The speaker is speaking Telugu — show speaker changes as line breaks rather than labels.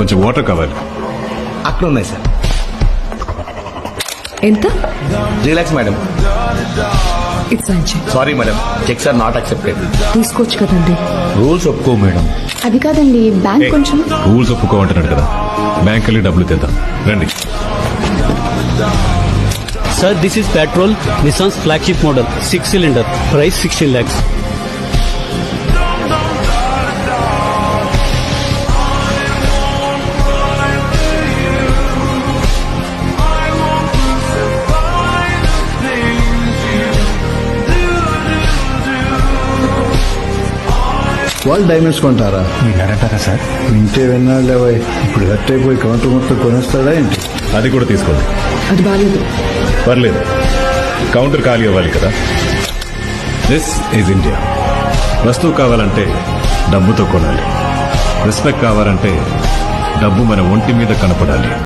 కొంచెం వాటర్ కావాలి.
అక్కడ ఉన్నాయి సార్.
ఎంత?
3 lakhs మేడం.
ఇట్స్ అంచే.
Sorry madam, cheques are not accepted.
తీసుకోవచ్చు కదండి.
రూల్స్ ఒప్పుకో మేడం.
అది కాదండి, బ్యాంక్ కొంచెం.
రూల్స్ ఒప్పుకోమంటున్నాడు కదా, బ్యాంక్ వెళ్ళి డబ్బులు తెద్దాం రండి.
Sir, this is petrol, Nissan's flagship model, 6-cylinder, price 16 lakhs.
వాళ్ళు డైమండ్స్ కొంటారా?
విన్నారంటారా సార్?
వింటే విన్నాడు లేవై. ఇప్పుడు హట్ అయిపోయి కౌంటర్ మొత్తం కొనేస్తాడా ఏంటి?
అది కూడా తీసుకోండి.
అది బాగాలేదు.
పర్లేదు, కౌంటర్ ఖాళీ అవ్వాలి కదా. This is India. వస్తువు కావాలంటే డబ్బుతో కొనాలి. రెస్పెక్ట్ కావాలంటే డబ్బు మన ఒంటి మీద కనపడాలి.